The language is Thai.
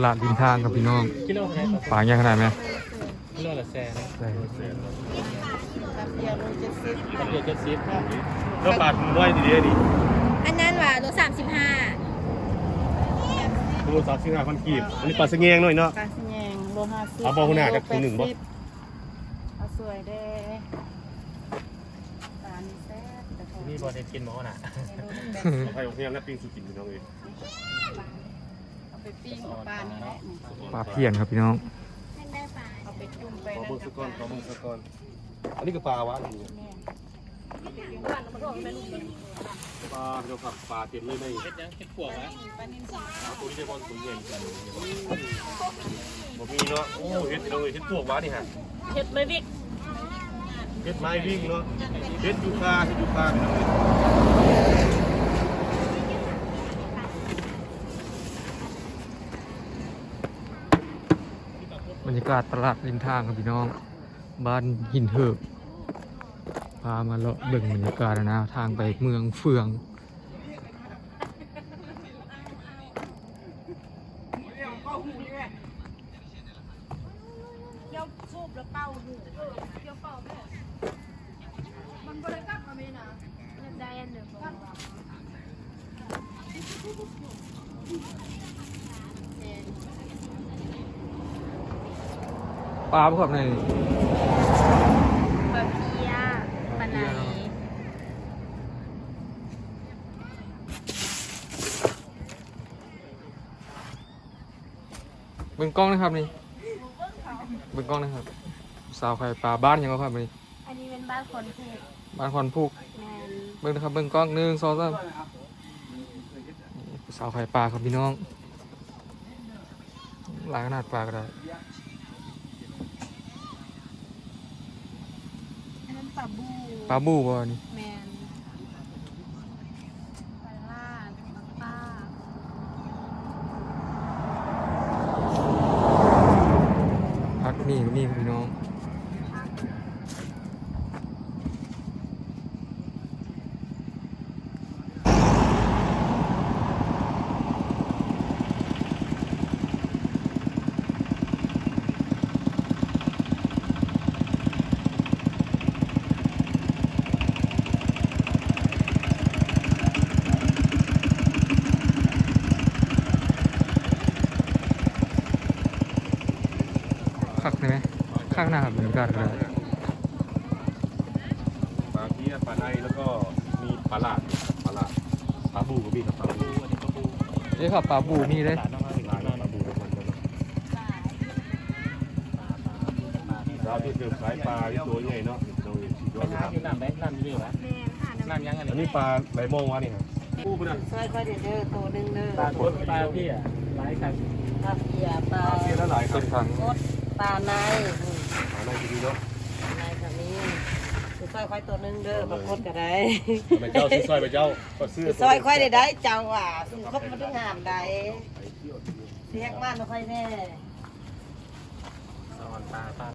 ลาดริมทางครับพี่น้องกิโลเท่าไหร่ปลาใหญ่ขนาดไหมกิโลละแสนใช่เดียวโล70 เรียก70แล้วปลาถุงน้อยดีๆดิอันนั้นว่าโล35 โล35,000กีบอันนี้ปลาสะแงงหน่อยเนาะปลาสะแยงโล50 เอาบ่หัวหน้าจักถุงหนึ่งบ่เอาสวยเด้ปลานี่แซ่บแต่ของนี่บ่ได้กินหมอน่ะใครของเฮียนะปิ้งสุกินพี่น้องเอ้ยเอาไปปิ้งปลานี่แหละปลาเพี้ยนครับพี่น้องเอาไปจุ่มไปขอนั่เบิ่นงกัสับกก้อนปขอลาเบิ่งสักก้อนอันนี้ก็ปลาวะนี่ปลาเดี๋ยวผักปลาเต็มเลยในเฮ็ดยังเฮ็ดพวกนะปลานิ่มตัวนี้ได้บอลตัวใหญ่กันบ่มีเนาะโอ้เฮ็ดพี่น้องเอ้ยเฮ็ดพวกวะนี่ฮะเห็ดไม่วิกเฮ็ดไม้วิ่งเนาะเฮ็ดยูคาพี่น้องเอ้ยบรรยากาศตลาดริมทางครับพี่น้อง บ้านหินเหิบพามาเลาะเบิ่งบรรยากาศนะทางไปเมืองเฟืองเกี่ยวซูบแล้วเป้าหูเกี่ยวเป้าแม่มันบริกรรมมาไม่นะได้อันเดียวกันปลาพวกไหนปลาเพียปลาไหนเบิ่งกล้องนะครับนี่เบิ่งกล้องนะครับสาวไข่ปลาบ้านยังก็ครับนี่อันนี้เป็นบ้านคนผูกบ้านคอนพูกแมนเบิ่งนะครับเบิ่งกล้อง1 2 3สาวไข่ปลาครับพี่น้องหลายขนาดปลาก็ได้อันนั้นปลาบูปลาบูบ่นี่แมนปลาล่าปลาป้าพักนี่ก็มีครับพี่น้องคักได้ไหมข้างหน้าครับบรรยากาศก็ได้ปลาเพี้ยปลาในแล้วก็มีปลาหลาดปลาบูก็มีครับปลาบูเอ้ยครับปลาบูมีเลยหลายปลาบูทุกคนเลยเราที่เกิดขายปลาที่ตัวใหญ่เนาะเราเห็นชีวิตว่าน้ำไหมน้ำนี่วะแมนค่ะน้ำน้ำยังอันอันนี้นี้ปลาไหลมองวะนี่ฮะปูปะนะซอยค่อยเด้อตัวนึงเด้อปลาโคตรปลาพี่อ่ะหลายครับปลาเพียปลาปลาเพี้ยแล้วหลายครัเป็บนครั้งกดปลาในปลาในดีๆเนาะในค่ะนี้ซอยค่อยตัวนึงเด้อปลากดก็ได้ไปเจ้าซื้อซอยไปเจ้าก็ซื้อซอยค่อยได้เจ้าอ่ะสุครบมันต้องงามได้เรียกมากไม่ค่อยแน่สอนปลา